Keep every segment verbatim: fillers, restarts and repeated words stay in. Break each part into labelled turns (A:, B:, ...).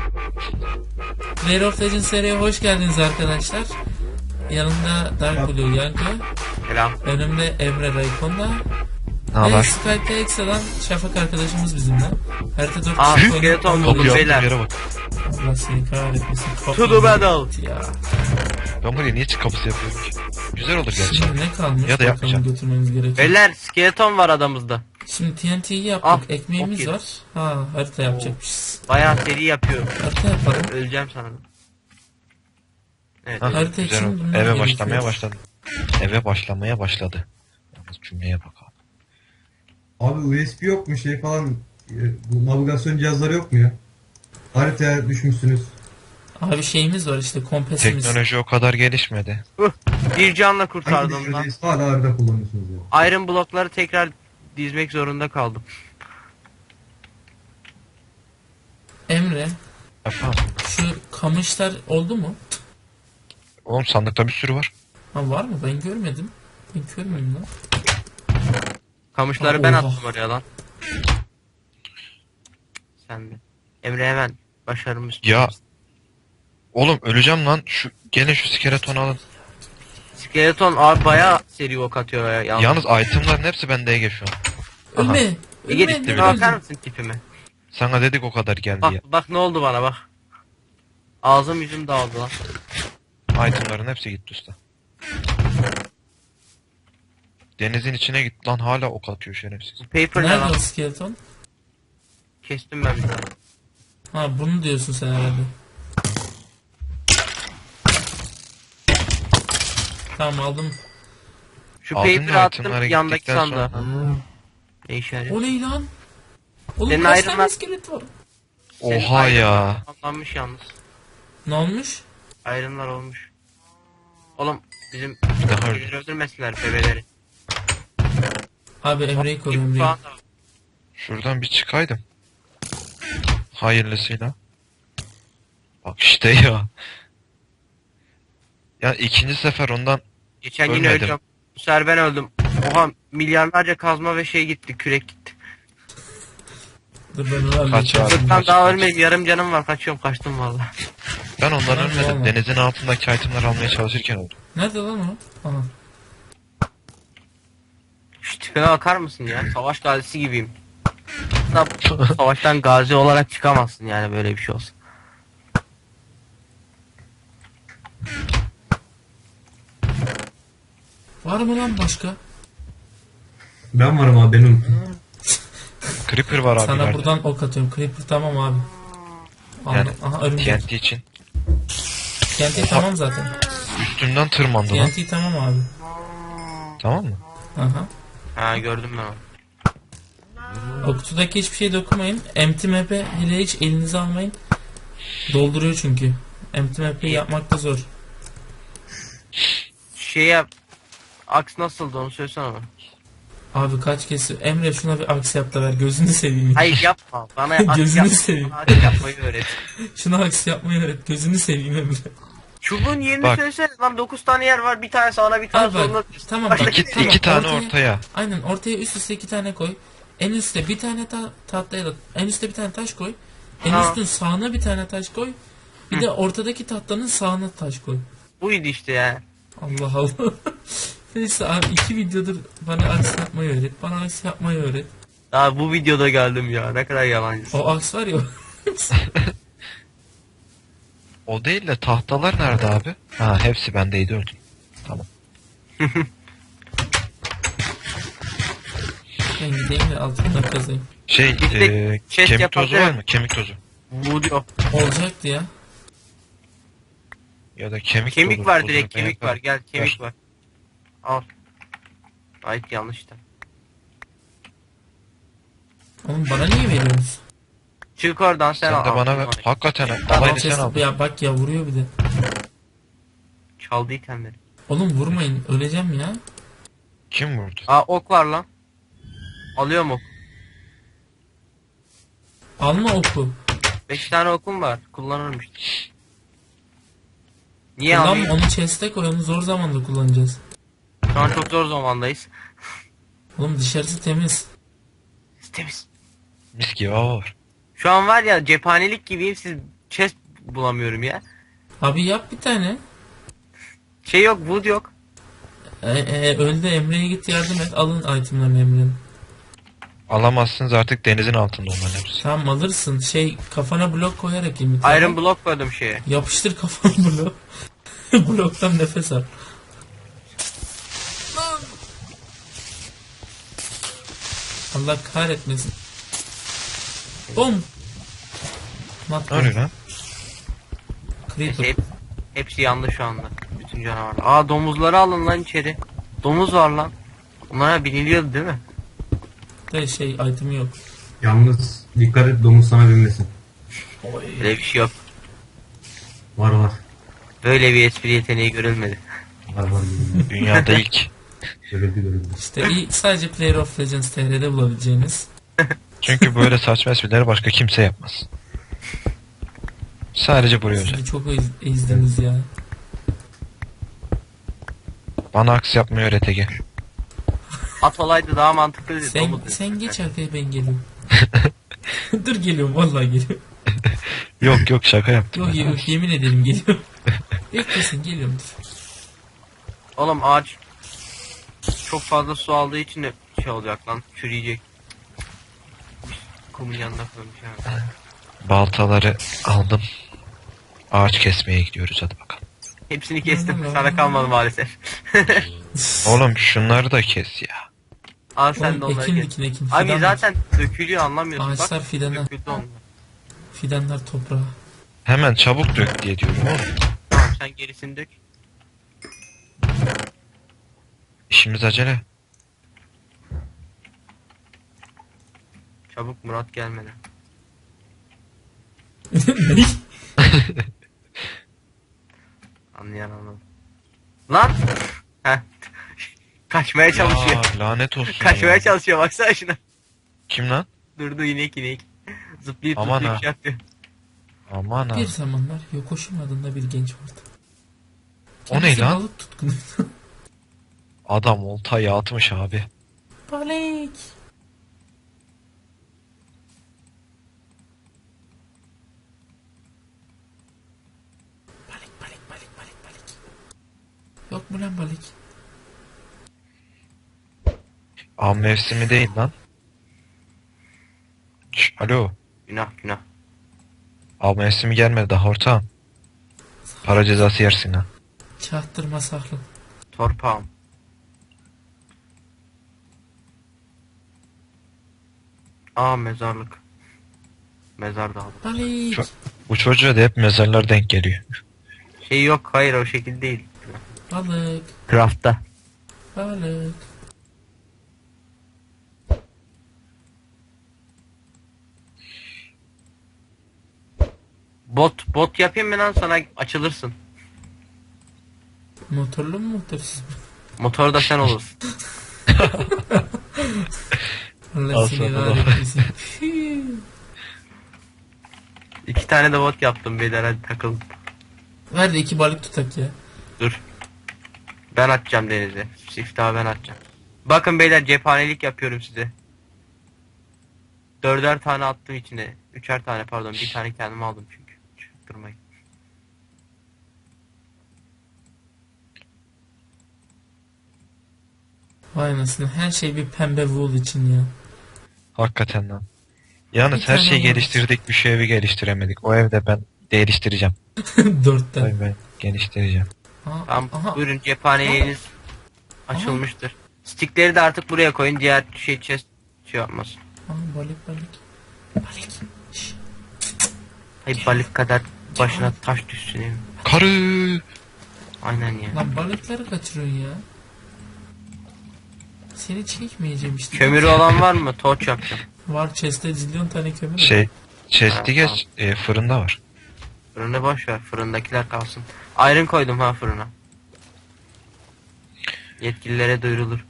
A: League of Legends seriye hoş geldiniz arkadaşlar. Yanımda Dark Blue Yankı.
B: Selam.
A: Önümde Emre Raykon'da.
C: Ne
A: Ve Skype'de ekstradan Şafak arkadaşımız bizimle. Harita dört
B: Aa,
A: kişi
B: skeleton
A: oynuyor.
B: buldum
C: Kapıyı
B: beyler.
C: attığım yere bak.
A: Allah seni kahretmesin.
B: To the battle.
A: Ya.
C: Ben buraya niye çık kapısı yapıyorum ki? Güzel olur gerçi.
A: Şimdi ne kalmış?
C: Ya da
A: Bakalım
C: yapmayacağım.
A: götürmemiz gerekiyor.
B: Beyler skeleton var adamızda.
A: Şimdi T N T'yi yaptık.
B: Ah,
A: Ekmeğimiz
B: çok iyi.
A: var. Ha, harita yapacakmışız.
B: Bayağı seri yapıyor.
A: Harita yapalım.
B: Öleceğim sana. Evet.
C: Ha,
A: Harita
C: güzel
A: için
C: oldu.
A: bunlar
C: Eve
A: gerekiyor.
C: başlamaya başladı. Eve başlamaya başladı. Yalnız cümleye bak abi.
D: Abi U S B yok mu şey falan, e, bu navigasyon cihazları yok mu ya? Haritaya düşmüşsünüz.
A: Abi şeyimiz var işte, kompasimiz.
C: Teknoloji o kadar gelişmedi.
B: Uh, bir canla
D: Hangi
B: kurtardım lan.
D: teknolojisi hala harita kullanıyorsunuz ya?
B: Iron blokları tekrar dizmek zorunda kaldım.
A: Emre,
C: Efendim?
A: şu kamışlar oldu mu?
C: Oğlum sandıkta bir sürü var.
A: Ha, var mı? Ben görmedim. Ben kör müyüm lan?
B: Kamışları
A: Aa,
B: ben
A: oha.
B: attım oraya lan. Sen de. Emre hemen başarımız.
C: Ya. Oğlum öleceğim lan. Şu gelin şu skeletonu alın.
B: Skeleton abi bayağı seri ok atıyor ya. Yalnız.
C: Yalnız itemların hepsi bende Ege şu an. Aha.
A: Ölme!
B: Ege
A: Ölme!
B: tipime
C: bile.
B: bakar mısın tipime?
C: Sana dedik o kadar geldi
B: Bak
C: ya.
B: bak ne oldu bana bak. Ağzım yüzüm dağıldı lan.
C: Itemların hepsi gitti usta. Denizin içine gitti lan, hala ok atıyor şerefsiz.
B: Bu paper ne
A: Nerede
B: lan?
A: o skeleton?
B: Kestim ben bir tane.
A: Ha, bunu diyorsun sen herhalde. Tamam, aldım.
B: Şu
C: Aldın
B: paper'ı
C: mı
B: attım
C: itemları
B: yandaki
C: gittikten
B: sandığa.
C: sonra?
B: Ne işe yarıyor?
A: O ne lan? Oğlum
B: Senin
A: kaç
B: Iron
A: tane
B: Man-
A: iskelet var?
B: Senin
C: Oha
B: Iron
C: ya.
B: Tamamlanmış yalnız.
A: Ne olmuş?
B: Ayrımlar olmuş. Oğlum bizim
C: Daha
B: bebeleri
C: öldü.
B: öldürmesinler bebeleri.
A: Abi Emre'yi koru,
B: İp
A: Emre'yi.
B: falan da var.
C: Şuradan bir çıkaydım. Hayırlısıyla. Bak işte ya. Ya ikinci sefer ondan
B: Geçen yine
C: Ölmedim.
B: öleceğim. Bu sefer ben öldüm. Oha milyarlarca kazma ve şey gitti, kürek gitti.
A: Dur ben onu halledeceğim.
C: Kaç abi?
A: şimdi.
B: Sırttan daha ölmedim, yarım canım var, kaçıyorum, kaçtım valla.
C: ben ondan
A: Tamam,
C: ölmedim.
A: tamam.
C: Denizin altındaki itemleri almaya çalışırken öldüm.
A: Nerede lan o? Aha.
B: Şu tipime bakar mısın ya? Savaş gazisi gibiyim. Hatta savaştan gazi olarak çıkamazsın yani, böyle bir şey olsun.
A: Var mı lan başka?
D: Ben varım abi, benim.
C: Creeper var abi.
A: Sana
C: ileride.
A: buradan ok atıyorum. Creeper tamam abi.
C: Yani
A: Aldım. Aha, örümcek.
C: T N T için.
A: T N T tamam zaten.
C: Üstümden tırmandı lan.
A: T N T tamam abi.
C: Tamam mı?
A: Aha.
B: Ha, gördüm ben onu.
A: O kutudaki hiçbir şey dokunmayın. Empty map'e hele hiç elinize almayın. Dolduruyor çünkü. Empty map'i yapmak da zor.
B: Şey yap. Aks nasıldı onu söylesene bana.
A: Abi kaç kez... Emre şuna bir aks yap da ver. Gözünü seveyim.
B: Hayır yapma. Bana aks
A: Gözünü
B: yapma.
A: seveyim.
B: Bana aks yapmayı öğret.
A: Şuna aks yapmayı öğret. Gözünü seveyim Emre.
B: Çubuğun yerini
C: Bak.
B: söylesene lan, dokuz tane yer var, bir tane sağına bir tane
A: Abi bak,
B: soluna.
A: tamam
B: Başka
A: bak.
C: İki,
B: kimse yok.
C: iki tane
A: Ortaya-
C: ortaya.
A: Aynen, ortaya üst üste iki tane koy. En üstte bir tane ta tahtaya da en üstte bir tane taş koy. En
B: Ha.
A: üstün sağına bir tane taş koy. Bir de ortadaki tahtanın sağına taş koy.
B: Buydu işte ya.
A: Allah Allah. Neyse abi, iki videodur bana aks yapmayı öğret. Bana aks yapmayı öğret.
B: Daha bu videoda geldim ya, ne kadar yalancısın.
A: O aks var ya.
C: O değil de tahtalar nerede abi? Ha, hepsi bendeydi, öldüm. Tamam.
A: Ben gideyim de altından kazayım.
C: Şey,
B: Bir de
C: e,
B: chest
C: kemik tozu
B: yapabilir
C: var mı? Kemik tozu.
B: Bu diyor.
A: Olacaktı ya.
C: Ya da kemik
B: Kemik
C: tozu,
B: var,
C: tozu
B: direkt
C: ben
B: kemik var,
C: yaparım.
B: gel kemik
C: Ver.
B: var. Al. Ay yanlış da.
A: Oğlum bana niye veriyorsunuz?
B: Çık oradan sen,
C: Sen
B: al.
C: de bana ver.
B: Al.
C: Hakikaten
B: Tamam,
C: alayını sen
A: Ses-
C: al.
A: ya bak ya, vuruyor bir de.
B: Çaldı itemleri.
A: Oğlum vurmayın, öleceğim ya.
C: Kim vurdu?
B: Aa, ok var lan. Alıyorum ok.
A: Alma oku.
B: Beş tane okum var. Kullanırım işte. Niye
A: Kullanma,
B: alayım?
A: onu chest'e koy, onu zor zamanda kullanacağız.
B: Şu an çok zor zamandayız.
A: Oğlum dışarısı temiz.
B: Temiz.
C: Mis gibi hava var.
B: Şu an var ya, cephanelik gibiyim, siz chest bulamıyorum ya.
A: Abi yap bir tane.
B: Şey yok, wood yok.
A: E, e, öldü, Emre'ye git yardım et. Alın itemlerini Emre'nin.
C: Alamazsınız artık, denizin altında onların hepsi.
A: Tamam alırsın. Şey, kafana blok koyarak limit.
B: Iron block koydum şeye.
A: Yapıştır kafana blok. Bloktan nefes al. Allah kahretmesin. Bom. Mat
C: Ne oluyor lan?
A: Creeper.
B: Hep, hepsi yandı şu anda. Bütün canavarlar. Aa, domuzları alın lan içeri. Domuz var lan. Bunlara biniliyordu değil mi?
A: De şey item yok.
D: Yalnız dikkat et domuz sana binmesin.
B: Öyle bir şey yok.
D: Var var.
B: Böyle bir espri yeteneği görülmedi.
D: Var var.
C: Dünyada ilk.
D: Görüldü görüldü.
A: İşte iyi, sadece Player of Legends T R'de bulabileceğiniz.
C: Çünkü böyle saçma esprileri başka kimse yapmaz. Sadece buraya özel.
A: Sizi çok ez- ezdiniz ya.
C: Bana aks yapmayı öğret Ege.
B: At olaydı daha mantıklıydı.
A: Sen,
B: domuz.
A: sen geç arkaya, ben geliyorum. Dur geliyorum, vallahi geliyorum.
C: Yok yok, şaka yaptım.
A: Yok
C: ben.
A: yok, yemin ederim geliyorum. Beklesin, geliyorum dur.
B: Oğlum ağaç çok fazla su aldığı için de şey olacak lan, çürüyecek. Kumun yanına koymuş yani.
C: Baltaları aldım. Ağaç kesmeye gidiyoruz, hadi bakalım.
B: Hepsini kestim, sana kalmadı maalesef.
C: Oğlum şunları da kes ya.
B: Al sen de
A: Oğlum,
B: onları
A: ekin
B: kes.
A: dikin ekin.
B: Abi
A: Fidan
B: zaten dökülüyor, anlamıyorsun.
A: Ağaçlar
B: Bak,
A: fidanı.
B: döküldü onlar.
A: Fidanlar toprağa.
C: Hemen çabuk dök diye diyorum oğlum.
B: Tamam, sen gerisini dök.
C: İşimiz acele.
B: Çabuk, Murat gelmeden.
A: Ne?
B: Anlayan anladı. Lan! Heh. Kaçmaya çalışıyor.
C: Ya, lanet olsun
B: Kaçmaya
C: ya.
B: çalışıyor, baksana şuna.
C: Kim lan?
B: Durdu, inek inek. Zıplayıp
C: Aman
B: zıplayıp
C: ha.
B: şey yapıyor.
C: Aman ha.
A: Bir zamanlar Yokoşum adında bir genç vardı.
C: O ne
A: Kendisi
C: lan?
A: balık tutkunu.
C: Adam oltayı atmış abi.
A: Balık. Balık balık balık balık balık. Yok mu lan balık?
C: Av mevsimi değil lan. Şş, alo.
B: Günah günah.
C: Av mevsimi gelmedi daha ortağım. Para cezası yersin ha.
A: Çahtırma saklı.
B: Torpağım. Aa, mezarlık. Mezar dağıldı.
A: Balık.
C: Çok- Bu çocuğa da hep mezarlar denk geliyor.
B: Şey yok, hayır o şekil değil.
A: Balık.
B: Craft'ta.
A: Balık.
B: Bot bot yapayım mı lan, sana açılırsın.
A: Motorlu mu motorsuz mu?
B: Motor da sen olursun.
A: Allah
C: Al
A: seni
C: sana da.
A: kahretmesin.
B: İki tane de bot yaptım beyler, hadi takılın.
A: Ver de iki balık tutak ya.
B: Dur. Ben atacağım denize. Siftahı ben atacağım. Bakın beyler, cephanelik yapıyorum size. Dörder tane attım içine. Üçer tane pardon, bir tane kendime aldım çünkü. Çıktırmayın.
A: Vay anasını, her şey bir pembe wool için ya.
C: Hakikaten lan. Yalnız
A: Bir
C: her
A: tane
C: şeyi
A: var.
C: geliştirdik, bir şu evi geliştiremedik. O evde ben geliştireceğim.
A: Dörtten.
C: Tabii ben geliştireceğim.
A: Aa,
B: Tamam,
A: aha.
B: buyurun, cephaneliğiniz açılmıştır. Stickleri de artık buraya koyun, diğer şey chest şey yapmasın.
A: Aa, balık balık. Balık. Şş.
B: Hayır, balık kadar başına taş düşsün değil mi?
C: Karı!
B: Aynen ya.
A: Lan balıkları kaçırıyorsun ya. Seni çekmeyeceğim işte.
B: Kömürü olan var mı? Torç yapacağım.
A: Var, chest'te zilyon tane kömür var.
C: Şey, chest'i
B: Ha,
C: geç, e, fırında var.
B: Fırını boş ver. Fırındakiler kalsın. Iron koydum ha fırına. Yetkililere duyurulur.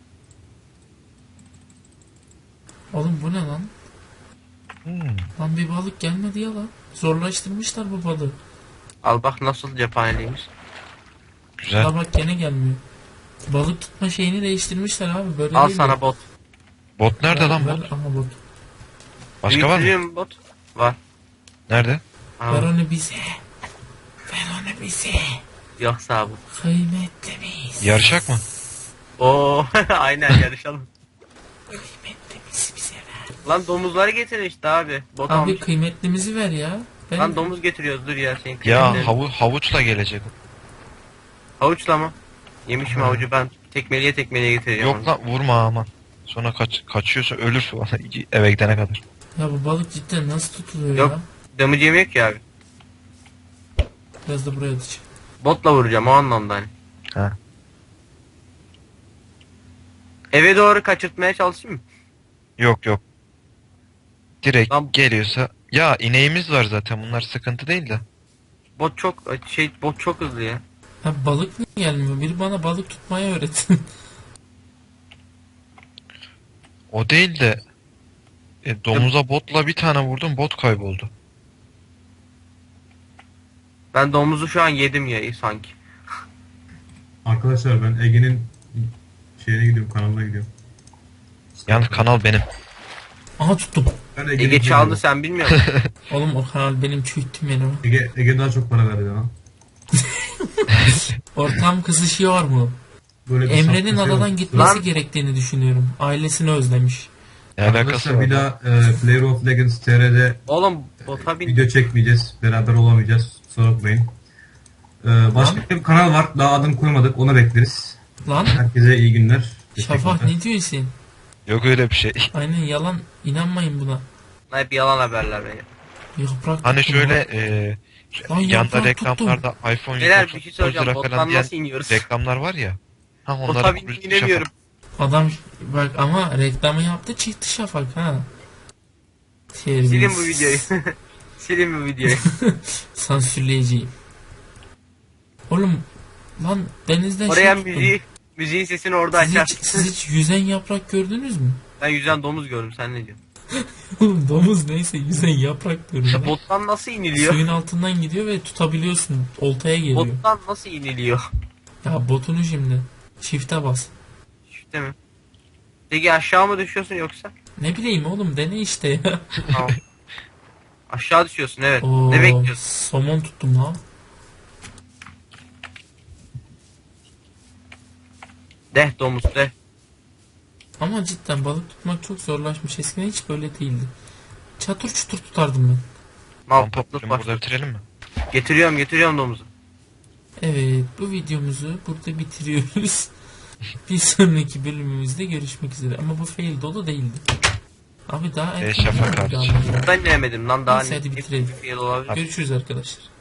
A: Oğlum bu ne lan?
C: Hmm.
A: Lan bir balık gelmedi ya lan. Zorlaştırmışlar bu balığı.
B: Al bak nasıl cephaneliğimiz.
C: Güzel.
A: La bak gene gelmiyor. Balık tutma şeyini değiştirmişler abi, böyle
B: Al
A: değil
B: sana
A: mi?
B: bot.
C: Bot nerede
A: Ver-
C: lan
A: ver-
C: bot?
A: Aha bot.
C: Başka var mı?
B: Büyütülüyor mu bot? Var.
C: Nerede?
B: Aa,
A: Ver onu bize. Ver onu bize.
B: yoksa bu.
A: Kıymetlimiz.
C: Yarışak mı?
B: Oo aynen yarışalım.
A: Kıymetlimizi bize ver.
B: Lan domuzları getirin işte abi. Bot
A: Abi
B: almış.
A: kıymetlimizi ver ya. Ben...
B: Lan domuz getiriyoruz dur ya senin
C: Ya
B: kıymetlerin.
C: havu havuçla gelecek.
B: Havuçla mı? Yemişim
C: Ha.
B: havucu ben tekmeliye tekmeliye getireceğim.
C: Yok
B: onu.
C: lan vurma aman. Sonra kaç kaçıyorsa ölür falan eve gidene kadar.
A: Ya bu balık cidden nasıl tutuluyor
B: Yok.
A: ya?
B: Damage yemiyor ki abi.
A: Biraz da buraya atacağım.
B: Botla vuracağım o anlamda hani.
C: Ha.
B: Eve doğru kaçırtmaya çalışayım mı?
C: Yok yok. Direkt
B: Lan-
C: geliyorsa ya ineğimiz var zaten bunlar sıkıntı değil de.
B: Bot çok şey bot çok hızlı ya.
A: Ha balık niye gelmiyor? Biri bana balık tutmayı öğretsin.
C: O değil de e, domuza botla bir tane vurdum bot kayboldu.
B: Ben domuzu şu an yedim ya sanki.
D: Arkadaşlar ben Ege'nin şeyine gidiyorum, kanalına gidiyorum.
C: Yalnız kanal benim.
A: Aha tuttum.
D: Ben Ege'nin
B: Ege çaldı
D: gidiyorum.
B: sen bilmiyor musun?
A: Oğlum o kanal benim çürüttüm beni. o.
D: Ege, Ege daha çok para verdi lan.
A: Ortam kızışıyor mu?
D: Böyle bir
A: Emre'nin
D: saf bir şey
A: adadan
D: yok.
A: gitmesi
B: Lan-
A: gerektiğini düşünüyorum. Ailesini özlemiş.
C: Ne alakası
D: Arkadaşlar
C: var?
D: bir daha e, Player of Legends T R'de
B: Oğlum bota bin.
D: video çekmeyeceğiz. Beraber olamayacağız. Kusura bakmayın. E, başka bir kanal var. Daha adını koymadık. Onu bekleriz.
A: Lan
D: Herkese iyi günler.
A: Şafak
D: Teşekkürler.
A: ne diyorsun?
C: Yok öyle bir şey.
A: Aynen yalan. İnanmayın buna.
B: Hep yalan haberler be.
A: Yaprak
C: Hani
A: tuttum
C: şöyle
A: lan.
C: e,
A: Lan
C: yanda
A: yaprak
C: reklamlarda iPhone
B: Beyler
C: yüz
B: bir şey
C: otuz
B: söyleyeceğim.
C: lira falan
B: Bottan
C: diyen
B: nasıl iniyoruz?
C: reklamlar var ya. Ha onlara
B: Bota bin
C: kurucu
B: inemiyorum.
A: Adam bak ama reklamı yaptı çıktı Şafak ha. Terbiyesiz.
B: Silin bu videoyu. Silin bu videoyu.
A: Sansürleyeceğim. Oğlum lan denizden
B: Oraya
A: şey tuttum.
B: müziği, müziğin sesini orada
A: Siz
B: açar.
A: hiç, siz hiç yüzen yaprak gördünüz mü?
B: Ben yüzden domuz gördüm sen ne diyorsun?
A: Oğlum domuz neyse yüzen yaprak gördüm.
B: İşte
A: ben.
B: bottan nasıl iniliyor?
A: Suyun altından gidiyor ve tutabiliyorsun. Oltaya geliyor.
B: Bottan nasıl iniliyor?
A: Ya botunu şimdi. Shift'e bas.
B: İşte mi? Peki aşağı mı düşüyorsun yoksa?
A: Ne bileyim oğlum dene işte ya.
B: Tamam. Aşağı düşüyorsun evet.
A: Oo,
B: Ne bekliyorsun?
A: somon tuttum lan.
B: Deh domuz deh.
A: Ama cidden balık tutmak çok zorlaşmış. Eskiden hiç böyle değildi. Çatır çutur tutardım ben.
B: Mal
C: Kampa
B: patlık
C: burada
B: başladı.
C: bitirelim mi?
B: Getiriyorum getiriyorum domuzu.
A: Evet bu videomuzu burada bitiriyoruz. Bir sonraki bölümümüzde görüşmek üzere. Ama bu fail dolu değildi. Abi daha
C: E,
A: erken
C: Şafak
A: mi?
C: hariç.
A: Daha-
B: Ben denemedim lan daha
A: Neyse, hadi
B: ne
A: bitirelim.
B: bir şey olabilir.
A: Görüşürüz arkadaşlar.